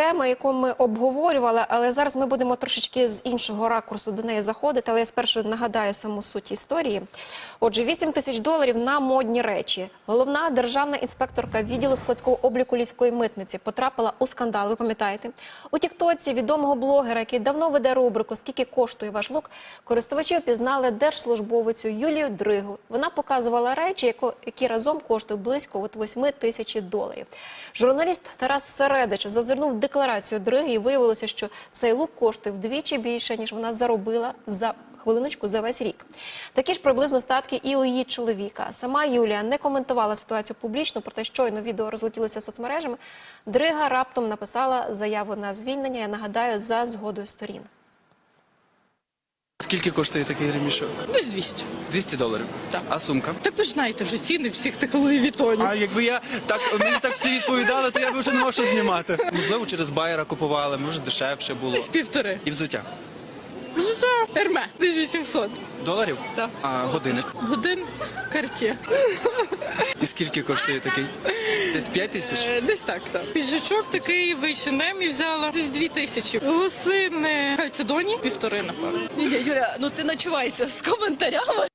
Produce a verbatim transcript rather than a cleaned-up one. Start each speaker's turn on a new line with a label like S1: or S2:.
S1: тема, яку ми обговорювали, але зараз ми будемо трошечки з іншого ракурсу до неї заходити, але я спершу нагадаю саму суть історії. Отже, вісім тисяч доларів на модні речі. Головна державна інспекторка відділу складського обліку Львівської митниці потрапила у скандал, ви пам'ятаєте? У тіктоці відомого блогера, який давно веде рубрику «Скільки коштує ваш лук», користувачі опізнали держслужбовицю Юлію Дригу. Вона показувала речі, які разом коштують близько от восьми тисяч доларів. Журналіст Тарас Середич зазирнув в декларацію Дриги і виявилося, що цей лук коштує вдвічі більше, ніж вона заробила за хвилиночку за весь рік. Такі ж приблизно статки і у її чоловіка. Сама Юлія не коментувала ситуацію публічно, проте щойно відео розлетілося соцмережами. Дрига раптом написала заяву на звільнення, я нагадаю, за згодою сторін.
S2: Скільки коштує такий ремішок?
S3: Десь двісті.
S2: двісті доларів?
S3: Так.
S2: А сумка?
S3: Так ви ж знаєте вже ціни всіх тих Луї Вітонів.
S2: А якби я так, мені так всі відповідали, то я б вже не мав що знімати. Можливо, через байера купували, може дешевше було.
S3: Десь півтори.
S2: І взуття?
S3: Взуття Ерме. Десь вісімсот.
S2: Доларів?
S3: Так.
S2: А годинник?
S3: Годин Cartier.
S2: І скільки коштує такий? Десь п'ять тисяч?
S3: Е, Десь так, так. Піджачок такий вийшенем і взяла десь дві тисячі. Лосини Хальцедоні півтори, напевно.
S4: Юля, ну ти начувайся з коментарями.